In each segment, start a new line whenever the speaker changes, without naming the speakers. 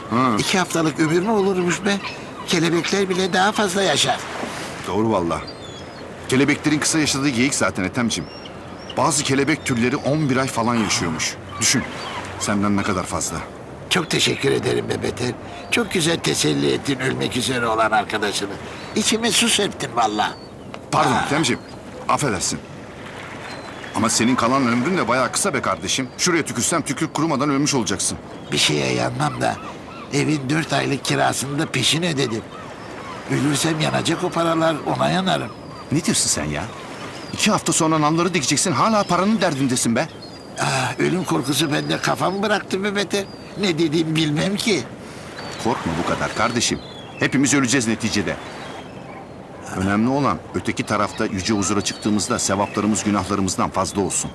2 haftalık ömür mü olurmuş be? Kelebekler bile daha fazla yaşar.
Doğru valla. Kelebeklerin kısa yaşadığı geyik zaten Ethemciğim. Bazı kelebek türleri 11 ay falan yaşıyormuş. Düşün. Senden ne kadar fazla.
Çok teşekkür ederim be Beter. Çok güzel teselli ettin ölmek üzere olan arkadaşını. İçime su serptin valla.
Pardon Ethemciğim. Affedersin. Ama senin kalan ömrün de bayağı kısa be kardeşim. Şuraya tükürsem tükür kurumadan ölmüş olacaksın.
Bir şeye yanmam da evin 4 aylık kirasını da peşin ödedim. Ölürsem yanacak o paralar, ona yanarım.
Ne diyorsun sen ya? 2 hafta sonra nalları dikeceksin, hala paranın derdindesin be.
Ölüm korkusu bende kafamı bıraktı be Beter. Ne dediğimi bilmem ki.
Korkma bu kadar kardeşim. Hepimiz öleceğiz neticede. Önemli olan öteki tarafta yüce huzura çıktığımızda sevaplarımız günahlarımızdan fazla olsun.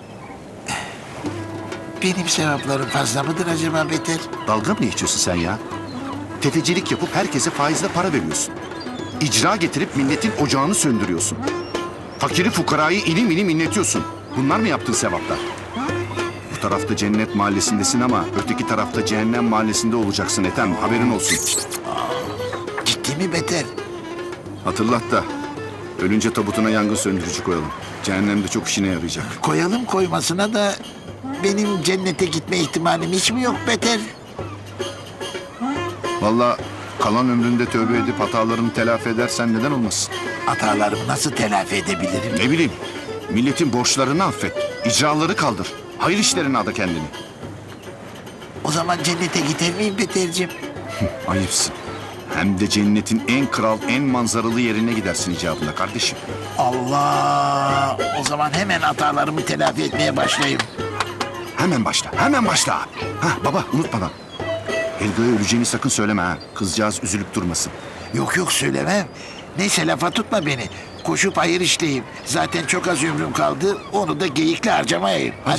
Benim sevaplarım fazla mıdır acaba Beter?
Dalga mı geçiyorsun sen ya? Tefecilik yapıp herkese faizle para veriyorsun. İcra getirip milletin ocağını söndürüyorsun. Fakiri fukarayı ilim ilim inletiyorsun. Bunlar mı yaptığın sevaplar? Bu tarafta cennet mahallesindesin ama öteki tarafta cehennem mahallesinde olacaksın Ethem. Haberin olsun.
Ciddi mi Beter?
Hatırlat da ölünce tabutuna yangın söndürücü koyalım. Cehennemde çok işine yarayacak.
Koyalım koymasına da benim cennete gitme ihtimalim hiç mi yok Beter?
Vallahi kalan ömründe tövbe edip hatalarını telafi edersen neden olmasın?
Hatalarımı nasıl telafi edebilirim?
Ne bileyim, milletin borçlarını affet, icraları kaldır. Hayır işlerine ada kendini.
O zaman cennete gider miyim Beter'cim?
Ayıpsın. Hem de cennetin en kral, en manzaralı yerine gidersin icabında kardeşim.
Allah! O zaman hemen hatalarımı telafi etmeye başlayayım.
Hemen başla, hemen başla. Hah baba unutmadan. Helga'ya öleceğini sakın söyleme ha. Kızcağız üzülüp durmasın.
Yok yok söylemem. Neyse lafa tutma beni. Koşup hayır işleyeyim. Zaten çok az ömrüm kaldı. Onu da geyikle harcamayayım. Hadi.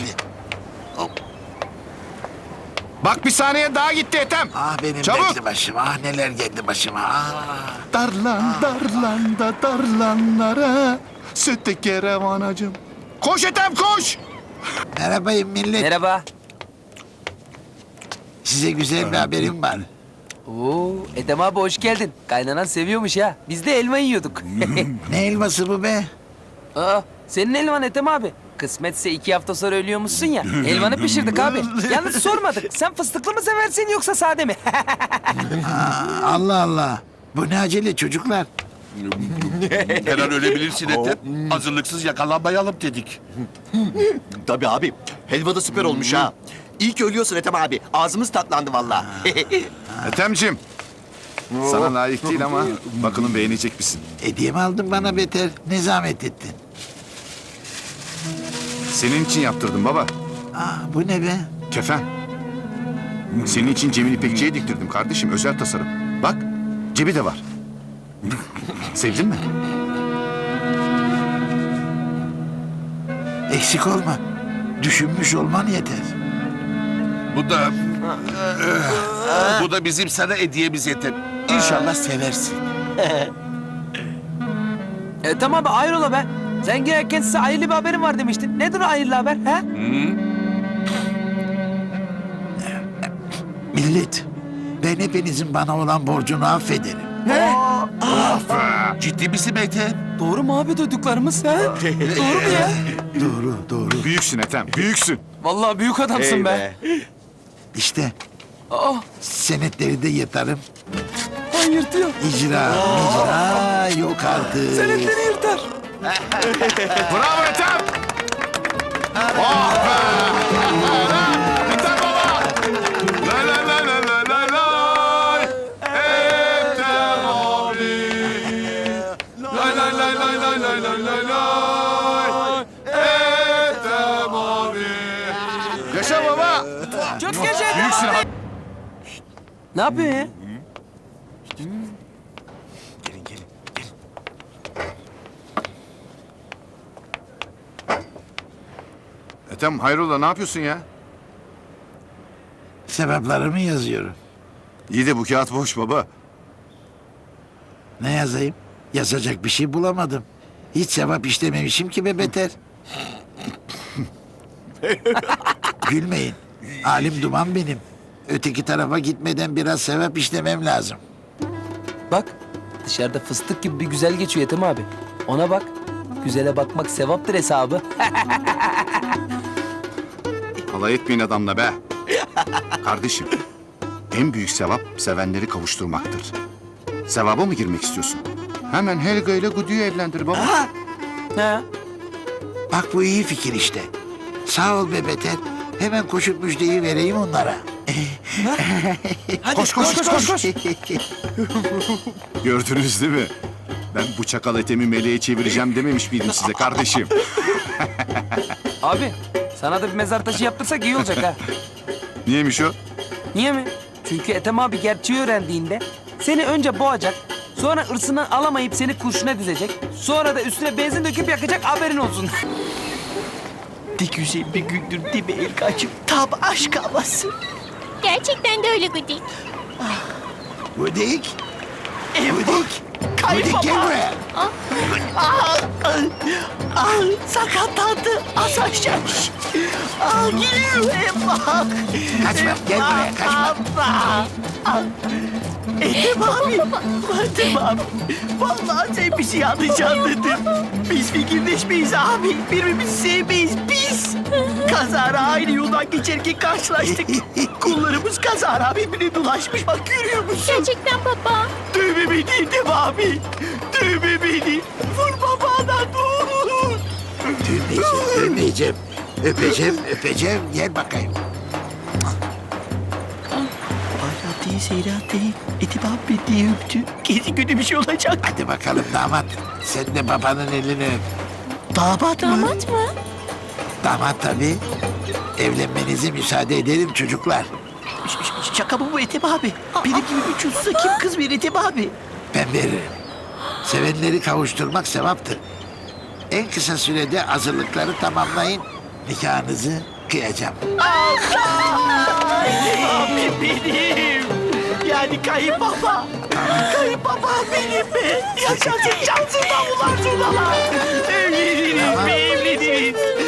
Bak bir saniye daha gitti Ethem.
Ah benim
Çabuk.
dertli başım. Ah neler geldi başıma. Ah.
Darlan da darlanlara sütte kerevan acım. Koş Ethem koş.
Merhabayım millet.
Merhaba.
Size güzel bir haberim var.
Oo, Edem abi hoş geldin. Kaynanan seviyormuş ha. Biz de elma yiyorduk.
Ne elması bu be?
Aa, senin elman Edem abi. Kısmetse 2 hafta sonra ölüyormuşsun ya. Elmanı pişirdik abi. Yalnız sormadık. Sen fıstıklı mı seversin yoksa sade mi?
Allah Allah. Bu ne acele çocuklar?
Her an ölebilirsin Ethem. Hazırlıksız yakalanmayalım dedik.
Tabii abi. Helva da süper olmuş ha. İyi ki ölüyorsun Ethem abi. Ağzımız tatlandı vallahi.
Ethem'cim. Sana layık değil ama bakalım beğenecek misin?
Hediye mi aldın bana Beter? Ne zahmet ettin?
Senin için yaptırdım baba.
Bu ne be?
Kefen. Senin için Cemil İpekçi'ye diktirdim kardeşim. Özel tasarım. Bak cebi de var. Sevdin mi?
Eksik olma. Düşünmüş olman yeter.
Bu da bizim sana hediyemiz Ethem. İnşallah seversin.
Edem abi hayrola be. Sen girerken size hayırlı bir haberim var demiştin. Nedir o hayırlı haber ha?
Millet, ben hepinizin bana olan borcunu affederim.
Ciddi misin Ethem?
Doğru mu abi duyduklarımız ha? Doğru mu ya?
Doğru, doğru.
Büyüksün Ethem. Büyüksün.
Vallahi büyük adamsın be.
İşte
Aa,
senetleri de yırtarım.
yırtıyor.
İcra yok artık.
Senetleri yırtar.
Bravo Ethem. Oh be. Ethem baba. La la la la la la la. Ethem abi. La la la la la la la la la. Ethem abi. Yaşa baba.
Çok yaşa.
Büyüksün abi.
Ne yapıyorsun ya?
Ethem hayrola ne yapıyorsun ya?
Sebeplerimi yazıyorum.
İyi de bu kağıt boş baba.
Ne yazayım? Yazacak bir şey bulamadım. Hiç sevap işlememişim ki be Beter. Gülmeyin. Alim duman benim. Öteki tarafa gitmeden biraz sevap işlemem lazım.
Bak dışarıda fıstık gibi bir güzel geçiyor Ethem abi. Ona bak. Güzele bakmak sevaptır hesabı.
Alay etmeyin adamla be. Kardeşim, en büyük sevap sevenleri kavuşturmaktır. Sevaba mı girmek istiyorsun? Hemen Helga ile Gudu'yu evlendir baba.
Ha?
Bak bu iyi fikir işte. Sağ ol be Beter. Hemen koşup müjdeyi vereyim onlara.
Hadi
Koş, koş, koş. Gördünüz değil mi? Ben bu çakal Ethem'i meleğe çevireceğim dememiş miydim size kardeşim?
Abi sana da bir mezar taşı yaptırsak iyi olacak ha.
Niyeymiş o?
Niye mi? Çünkü Ethem abi gerçeği öğrendiğinde seni önce boğacak, sonra ırsından alamayıp seni kurşuna dizecek, sonra da üstüne benzin döküp yakacak, haberin olsun.
Ne güzel bir gündür değil mi Erkancığım? Tam aşk havası.
Gerçekten de öyle Gudik.
Gudik.
Eyvah.
Gudik. Gudik gel buraya.
Sakatlandı. Az aşağı. Geliyor Eyvah.
Kaçma gel buraya kaçma.
Ethem abi. Ethem abi. Vallahi sen bizi yanlış anladın. Biz fikirleşmeyiz abi. Birbirimizi sevmeyiz biz. Kazara aynı yoldan geçerken karşılaştık. Kullarımız kazara birbirine dolaşmış. Bak görüyor musun?
Gerçekten baba.
Dövme beni Ethem abi. Dövme beni. Vur babana dur.
Öpmeyeceğim. Öpeceğim. Gel bakayım.
Hala değil Seyran değil. Ethem abi diye öptü. Kesin kötü bir şey olacak.
Hadi bakalım damat. Sen de babanın elini öp.
Damat mı?
Damat mı?
Damat tabii. Evlenmenize müsaade ederim çocuklar.
Şaka mı bu Ethem abi? Benim gibi bir çocuksa kim kız verir Ethem abi?
Ben veririm. Sevenleri kavuşturmak sevaptır. En kısa sürede hazırlıkları tamamlayın. Nikahınızı kıyacağım.
Ethem abi benim. Yani kayınbaba. Kayınbaba benim mi? Yaşasın cansız davullar zurnalar. Evleniriz mi evleniriz?